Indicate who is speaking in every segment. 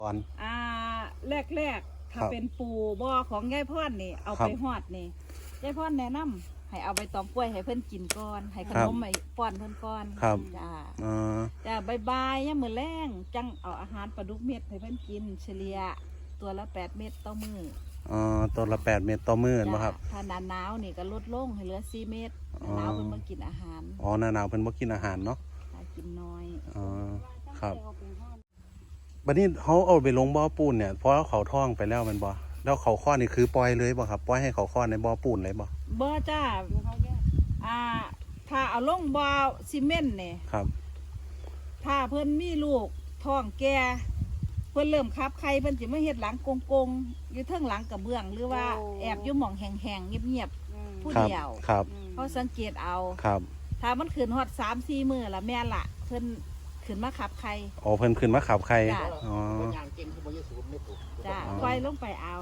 Speaker 1: ก่อน
Speaker 2: แรกถ้าเป็นปูบ่อของยายพรนี่เอาไปฮอดนี่ยายพรแนะนำให้เอาใบตองกล้วยให้เพิ่นกินก่อนให้ขนมให้ป้อนเพิ่นก่อนจ้าบายๆยามมื้อแลงจังเอาอาหารปลาดุกเม็ดให้เพิ่นกินเฉลี่ยตัวละ8 เม็ดต่อมื้อ
Speaker 1: ตัวละ8 เม็ดต่อมื้อบ่ครับ
Speaker 2: ถ้าหน้าหนาวนี่ก็ลดลงให้เหลือ4 เม็ดหน้าหนาวเพิ่นบ่กินอาหาร
Speaker 1: หน้าหนาวเพิ่นบ่กินอาหารเนาะ
Speaker 2: กินน้อย
Speaker 1: ครับบัดนี้เขาเอาไปลงบ่อปูนเนี่ยเพราะเขาท่องไปแล้วมันบ่แล้วเขาข้อนี่คือปล่อยเลยบ่ครับปล่อยให้เขาข้อในบ่อปูนเลยบ่
Speaker 2: จ้าถ้าเอาลงบ่อซีเมนต์นี่
Speaker 1: ครับ
Speaker 2: ถ้าเพิ่นมีลูกท้องแก่เพิ่นเริ่มคับไข่เพิ่นสิมาเฮ็ดหลังกงอยู่เทิงหลังกระเบื้องหรือว่าแอบอยู่หม่องแห้งๆเงียบๆผู้เดียวเขาสังเกตเอาถ้ามันขึ้นฮอด 3-4 มื้อละแม่ละเพิ่นขึ้นมาขับไข่
Speaker 1: เพิ่นขึ้นมาขับไข่
Speaker 2: จ้าไฟลงไปเอา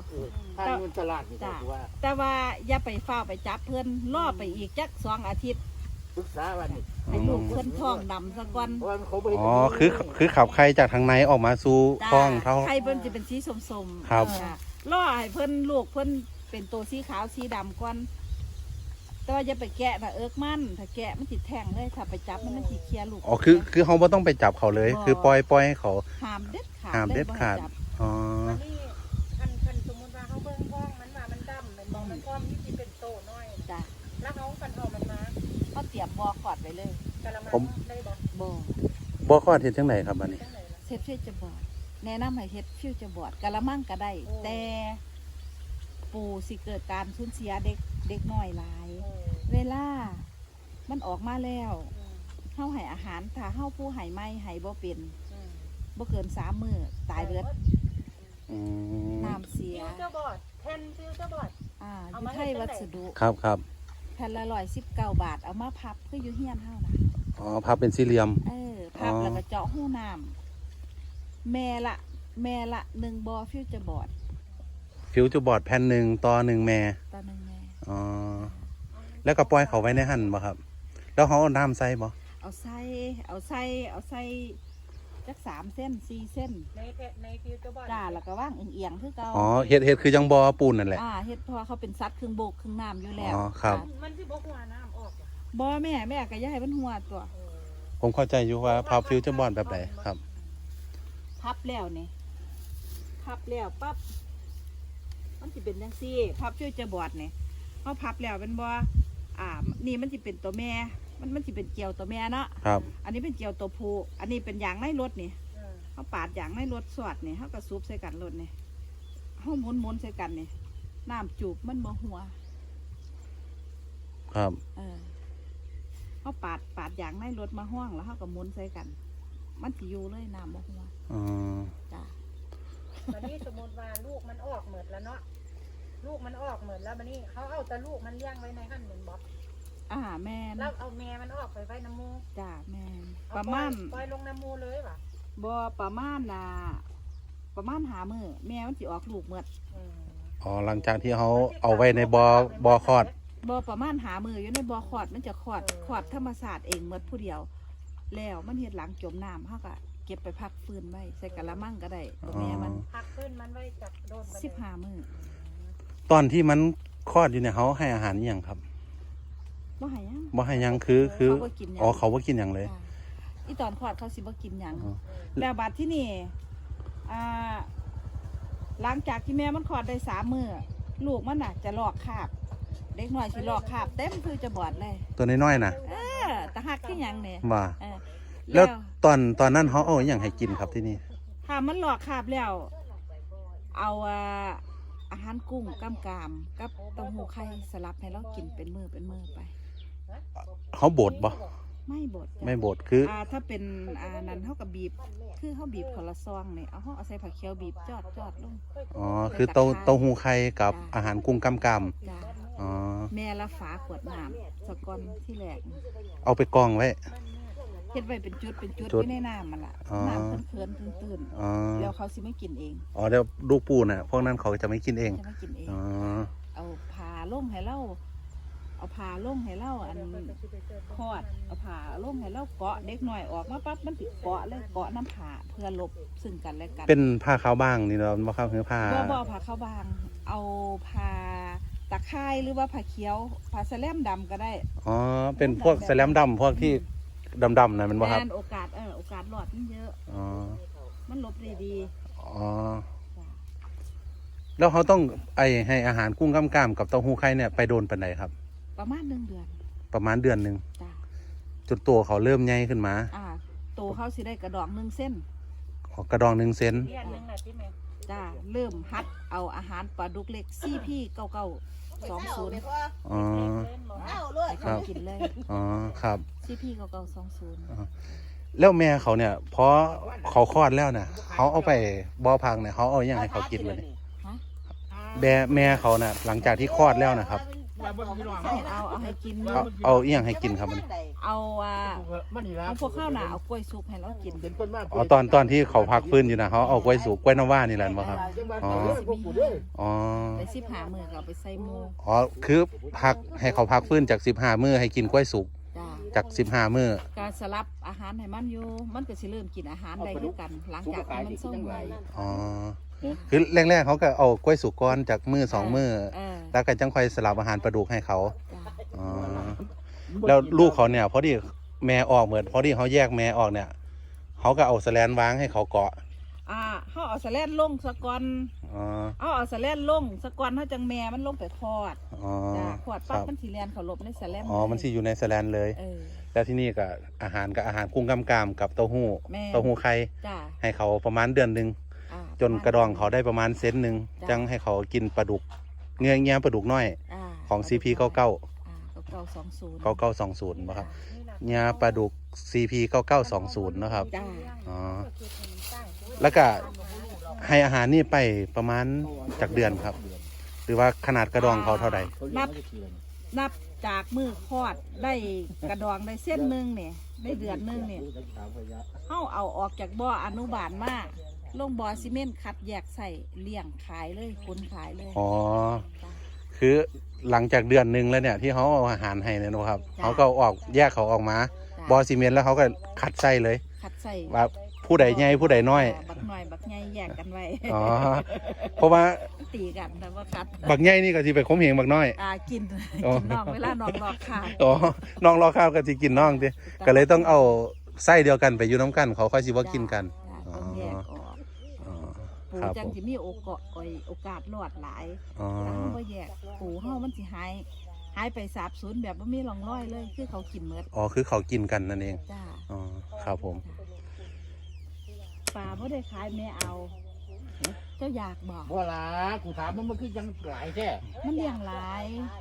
Speaker 2: แต่ว่าอย่าไปเฝ้าไปจับเพิ่นล่อไปอีกจัก2 อาทิตย์
Speaker 3: ศึกษาวันนี้
Speaker 2: ให้ลูกเพิ่นท้องดำซะก่อน
Speaker 1: คือขับไข่จากทางในออกมาสู่ท้องเท่า
Speaker 2: ไข่เพิ่นจะเป็นสีส้ม
Speaker 1: ๆครับ
Speaker 2: ล่อให้เพิ่นลูกเพิ่นเป็นตัวสีขาวสีดำก่อนแต่ว่าอย่าไปแกะนะมันถ้าแกะมันติดแทงเลยถ้าไปจับมันติดเคลียลูก
Speaker 1: คือเขาไม่ต้องไปจับเขาเลยคือปล่อยให้เขา
Speaker 2: ห้ามเด็ด
Speaker 1: ขาด
Speaker 4: คันสมมติว่าเขาเบิ่งท้องมันว่ามันดำมันมองมันพร้อมที่จะเป็นโตน้อย
Speaker 2: จ้ะ
Speaker 4: แล้วเขาคันเอามันมา
Speaker 2: เขาเตรียมบ่อขอดไว้เลย
Speaker 1: ผมบ่อขอดเห็นจังไหนครับอันนี้
Speaker 2: เฮ็ดฟิวจะบอดแนะนำให้เฮ็ดฟิวจะบอดกะละมังก็ได้แต่ปูสิเกิดการสูญเสียเด็กน้อยหลายเวลามันออกมาแล้วเฮาให้อาหารถ้าเฮาผู้ให้ไม่ให้บ่เป็นบ่เกิน3 มื้อตายเบิดน้ำเสีย
Speaker 4: ฟิวเจอร์บอร์ดแผ่นฟิวเจอร์บอร์ด
Speaker 2: อยู่ไทยวัสดุ
Speaker 1: ครับ
Speaker 2: แผ่นละ119 บาทเอามาพับคืออยู่เฮียนเฮานะ
Speaker 1: พับเป็นสี่เหลี่ยม
Speaker 2: พับแล้วก็เจาะหูน้ำแม่ละ1 บ่อฟิวเจอร์บอร์ด
Speaker 1: แผ่น1ต่อ1 แม่แล้วก็ปล่อยเขาไว้ในหั่นบ่ครับแล้วเขาเอาน้ำใส่บ่
Speaker 2: เอาใส่จัก3 เส้น 4 เส้น
Speaker 4: ในฟิวเจอร์บอร์ด
Speaker 2: จ้าแล้วก็ว่างเอียงคือเก่า
Speaker 1: เฮ็ดคือยังบ่อปูนนั่นแหละ
Speaker 2: เฮ็ดเพราะเขาเป็นสัตว์ครึ่งบกครึ่งน้ำอยู่แล้ว
Speaker 1: ครับ
Speaker 4: มันสิบ่หัวน้ำออก
Speaker 2: บ่แม่ก็อย่าให้มันหัวตัว
Speaker 1: ผมเข้าใจอยู่ว่าพับฟิวเจอร์บอร์ดแบบไหนครับ
Speaker 2: พับแล้วปั๊บมันจะเป็นจังซี่พับฟิวเจอร์บอร์ดนี่เขาพับแล้วเป็นบ่นี่มันจะเป็นตัวแม่มันจะเป็นเกลียวตัวแม่เนาะ
Speaker 1: ครับ
Speaker 2: อันนี้เป็นเกลียวตัวผู้อันนี้เป็นยางในรถนี่เขาปาดยางในรถสวดนี่เขาก็ซุบใส่กันรถนี่เขาหมุนใส่กันนี่น้ำจูบมันบ่หัว
Speaker 1: ครับ
Speaker 2: เขาปาดยางในรถมาห้องแล้วเขาก็หมุนใส่กันมันสิอยู่เลยน้ำบ่หัว
Speaker 4: จ้ะวันนี้สมมติว่าลูกมันออกเหมือนแล้วเนาะลูกมันออกเหมือนแล้ววันนี้เขาเอาแต่ลูกมันเลี้ยงไว้ในหั่นเหมือนบ๊อบ
Speaker 2: แม่
Speaker 4: แล้วเอาแม่มันออกไปไว้น้ำมู
Speaker 2: จ้าแม่ประมาณ
Speaker 4: ปล่อยลงน้ำมูเลยป่ะ
Speaker 2: บ่ประมาณ5 มื้อแม่มันสิออกลูกเมื่
Speaker 1: อหลังจากที่เขาเอาไว้ในบ่อคลอด
Speaker 2: บ่ประมาณ5 มื้ออยู่ในบ่อคลอดมันจะคลอดธรรมชาติเองเมื่อผู้เดียวแล้วมันเฮ็ดหลังจมน้ำเขาก็เก็บไปพักฟื้นไว้ใส่กะละมังก็ได้ตัวแม่มัน
Speaker 4: พักฟื้นมันไว้จากโดน
Speaker 2: 15 มื้อ
Speaker 1: ตอนที่มันคลอดอยู่เนี่ยเขาให้อาหารอย่างครับ
Speaker 2: บ่ให้
Speaker 1: ยังคือเขาบ่กินอย่างเลย
Speaker 2: อีตอนคลอดเขาสิบ่กินอย่างแล้วบัดที่นี่หลังจากที่แม่มันคลอดได้3 มื้อลูกมันน่ะจะลอกคราบเด็กน้อยสิลอกคราบเต็มคือจะบอดเลย
Speaker 1: ตัวน้อยๆน่ะ
Speaker 2: ตะหักที่หยังเนี่ย
Speaker 1: ว่าแล้วตอนนั้นเขาเอาอย่างให้กินครับที่นี่
Speaker 2: ถ้ามันลอกคราบแล้วเอาอาหารกุ้งกำกามกับเต้าหู้ไข่สลับให้เรากินเป็นมือไป
Speaker 1: เขาบดบ่
Speaker 2: ไม่
Speaker 1: บดคือ
Speaker 2: ถ้าเป็นนั้นเขากับบีบคือเขาบีบคนละซองเนี่ยเอาใส่ผักเขียวบีบจอดลง
Speaker 1: คือเต้าหู้ไข่กับอาหารกุ้งกำ
Speaker 2: แม่ละฝาขวดน้ำสกอนที่แหลก
Speaker 1: เอาไปกองไว้
Speaker 2: เฮ็ดไว้เป็นจุดที่ในน้ำมันล่ะน้ำเคินตื่นแล้วเขาสิไม่กินเอง
Speaker 1: เดี๋ยวลูกปูน่ะพวกนั้นเขาจะไม่กินเอง
Speaker 2: เอาผ่าล่มให้เราเอาผ้าลงให้เล่าอันคลอดเอาผ้าลงให้เล่าเกาะเด็กหน่อยออกมาปั๊บมันติดเกาะเลยเกาะน้ำผ้าเพื่อลบซึ่งกันและกัน
Speaker 1: เป็นผ้าขาวบางนี่เนาะบ่ครับคือผ้า
Speaker 2: บ่ผ้าเข้าบาง เอาผ้าตะไคร้หรือว่าผ้าเขียวผ้าแสลมดำก็ได้
Speaker 1: อ๋อเป็นพวกแสลมดำพวกที่ดำๆนะแมันบ่ครับ
Speaker 2: แม่นโอกาสหลอดมันเยอะ
Speaker 1: อ๋อ
Speaker 2: มันลบได้ดี
Speaker 1: อ๋อแล้วเขาต้องให้อาหารกุ้งกล้ามกับเต้าหู้ไข่เนี่ยไปโดนปานไหนครับ
Speaker 2: ประมาณ1 เดือน
Speaker 1: ประมาณเดือนหนึง
Speaker 2: จ้ะ
Speaker 1: จนตัวเขาเริ่มใหญ่ขึ้นมา
Speaker 2: โตเขาสิได้กระดอง1 เส้น
Speaker 1: กระดอง1 เซน
Speaker 4: เดือนหนึงน่ะที่แม่
Speaker 2: จ้าเริ่มฮัดเอาอาหารปลาดุกเล็กCP9920
Speaker 1: อ๋อ
Speaker 2: ให้เขากินเลย
Speaker 1: อ๋อครับ
Speaker 2: CP9920
Speaker 1: แล้วแม่เขาเนี่ยพอเขาคลอดแล้วน่ะเขาเอาไปบ่อพักเนี่ยเขาเอาอย่างให้เขากินเลย
Speaker 2: ฮะ
Speaker 1: แม่เขาน่ะหลังจากที่คลอดแล้วนะครับ
Speaker 2: เอาให้กิน
Speaker 1: เอาอีหยังให้กินครับมัน
Speaker 2: เอาพวกข้าวหนาเอากล้วยสุกให้เรากิน
Speaker 1: อ๋อตอนที่เขาพักฟื้นอยู่นะเขาเอากล้วยสุกกล้วยน้ำว้านี่แหละบ่ครับ อ๋อ อ๋อ
Speaker 2: ไป15 มื้อก็เอาไปใส่หมู
Speaker 1: อ๋อคือพักให้เขาพักฟื้นจาก15 มื้อให้กินกล้วยสุก
Speaker 2: จ้า
Speaker 1: จาก15 มื้อ
Speaker 2: การสลับอาหารให้มันอยู่มันก็สิเริ่มกินอาหารได้คือกัน หลังจากที่มันส่งไว้
Speaker 1: อ๋อคือแรกๆเขาก็เอากล้วยสุกก้อนจากมื้อ2 มื้อแล้วก็จังค่อยสลับอาหารปลาดุกให้เขา
Speaker 2: จ้า
Speaker 1: อ๋อแล้วลูกเขาเนี่ยพอดีแม่ออกเหมือนพอดีเขาแยกแม่ออกเนี่ยเขาก็เอาแสแลนวางให้เขาเกาะ
Speaker 2: เฮาเอาสะแลนลงสะก่อน
Speaker 1: อ๋อ
Speaker 2: เอาสะแลนลงสะก่อนเฮาจังแม่มันลงไปคลอด
Speaker 1: อ๋อ
Speaker 2: จ้าคลอด
Speaker 1: ค
Speaker 2: ปั๊บ
Speaker 1: รับ
Speaker 2: มันสิแล่นเข้าหลบในสะแลน
Speaker 1: อ๋อมันสิอยู่ในแสแลนเลย แล้วที่นี่ก็อาหารกุ้งกำกามกับเต้าหู้
Speaker 2: แม่
Speaker 1: เต้าหู้ไข่
Speaker 2: จ้า
Speaker 1: ให้เขาประมาณเดือนหนึ่งจนกระดองเขาได้ประมาณเซนหนึ่งจังให้เขากินปลาดุกเงี้ยปลาดุกน้อยของ CP 99
Speaker 2: 9920
Speaker 1: 9920นะครับเงี้ยปลาดุก CP 9920นะครับ
Speaker 2: จ้า
Speaker 1: อ๋อแล้วก็ให้อาหารนี่ไปประมาณจากเดือนครับ หรือว่าขนาดกระดองเขาเท่าใด
Speaker 2: นับจากมือคลอดได้กระดองได้เส้นหนึงเนี่ยได้เดือนหนึงเนี่ยเฮาเอาออกจากบ่ออนุบาลมาลงบ่อซีเมนต์คัดแยกใส่เลี้ยงขายเลยคนขายเลย
Speaker 1: อ๋อ คือหลังจากเดือนหนึ่งแล้วเนี่ยที่เขาเอาอาหารให้เนี่ยนะครับเขาก็ออกแยกเขาออกมาบอซีเมนต์แล้วเขาก็คัดไส้เลย
Speaker 2: คัดใส่
Speaker 1: ว่าผู้ใดใหญ่ผู้ใดน้อย
Speaker 2: บักหน่อยบักใหญ่แยกกันไว้
Speaker 1: อ๋อเพราะว่า
Speaker 2: ตีกันแต่ว่าคัด
Speaker 1: บักใหญ่นี่ก็สิไปข่มเหงบักน้อย
Speaker 2: กิน
Speaker 1: อ๋อ
Speaker 2: กินน้องเวลาน้องรอขาด
Speaker 1: อ๋อน้องรอข้าวก็สิกินน้องดิก็เลยต้องเอาไส้เดียวกันไปอยู่น้ำกันเขาค่อยสิว่ากินกัน
Speaker 2: จ้ะต้องแยกออก
Speaker 1: อ๋อ
Speaker 2: ปู
Speaker 1: ครับ
Speaker 2: จั
Speaker 1: ผ
Speaker 2: ง
Speaker 1: ม
Speaker 2: สิมีโอกาสรอดหลาย
Speaker 1: อ๋อ
Speaker 2: ถ้าเฮาบ่แยกปูเฮามันสิหายไปสาบสูญแบบบ่มีร่องรอยเลยคือเขากินหมด
Speaker 1: อ๋อคือเขากินกันนั่นเอง
Speaker 2: จ้า
Speaker 1: อ๋อครับผม
Speaker 2: ปลาบ่ได้ขายแม่เอา เจ้าอยากบอก
Speaker 3: บ่ล่ะกูถามมันคือยังหลายแท้
Speaker 2: มันเลี้ยงหลาย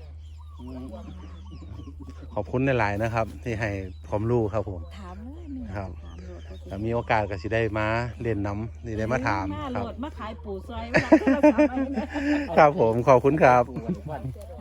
Speaker 1: ขอบคุณหลายๆนะครับ ที่ให้ความรู้ครับผม
Speaker 2: ถามเลยมี
Speaker 1: ครับ
Speaker 2: ถามโลด
Speaker 1: ถ้ามีโอกาสก็สิได้มาเรียนน้ำสิได้มาถาม
Speaker 2: หน้า
Speaker 1: ค
Speaker 2: โล
Speaker 1: รับ
Speaker 2: ดมาขายปูซอยมารับโทรศัพท์ไว้นะครับ
Speaker 1: ผมขอบคุณครับ
Speaker 3: กูว่าทุกวัน